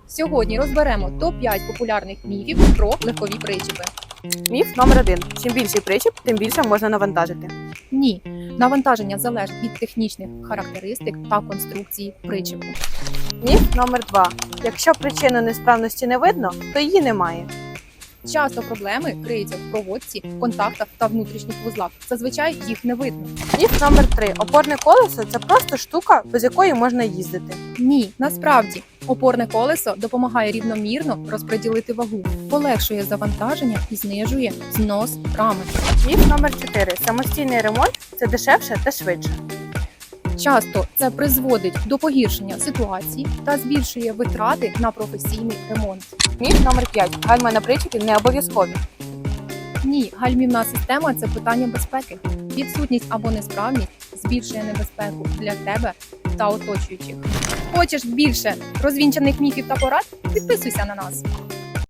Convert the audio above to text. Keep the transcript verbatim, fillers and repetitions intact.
Сьогодні розберемо топ п'ять популярних міфів про легкові причепи. Міф номер один. Чим більший причіп, тим більше можна навантажити. Ні, навантаження залежить від технічних характеристик та конструкції причепу. Міф номер два. Якщо причину несправності не видно, то її немає. Часто проблеми криються в проводці, контактах та внутрішніх вузлах. Зазвичай їх не видно. Міф номер три. Опорне колесо – це просто штука, без якої можна їздити. Ні, насправді, опорне колесо допомагає рівномірно розподілити вагу, полегшує завантаження і знижує знос рами. Міф номер чотири. Самостійний ремонт – це дешевше та швидше. Часто це призводить до погіршення ситуації та збільшує витрати на професійний ремонт. Міф номер п'ять. Гальма на причепі не обов'язкові. Ні, гальмівна система – це питання безпеки. Відсутність або несправність збільшує небезпеку для тебе та оточуючих. Хочеш більше розвінчаних міфів та порад? Підписуйся на нас.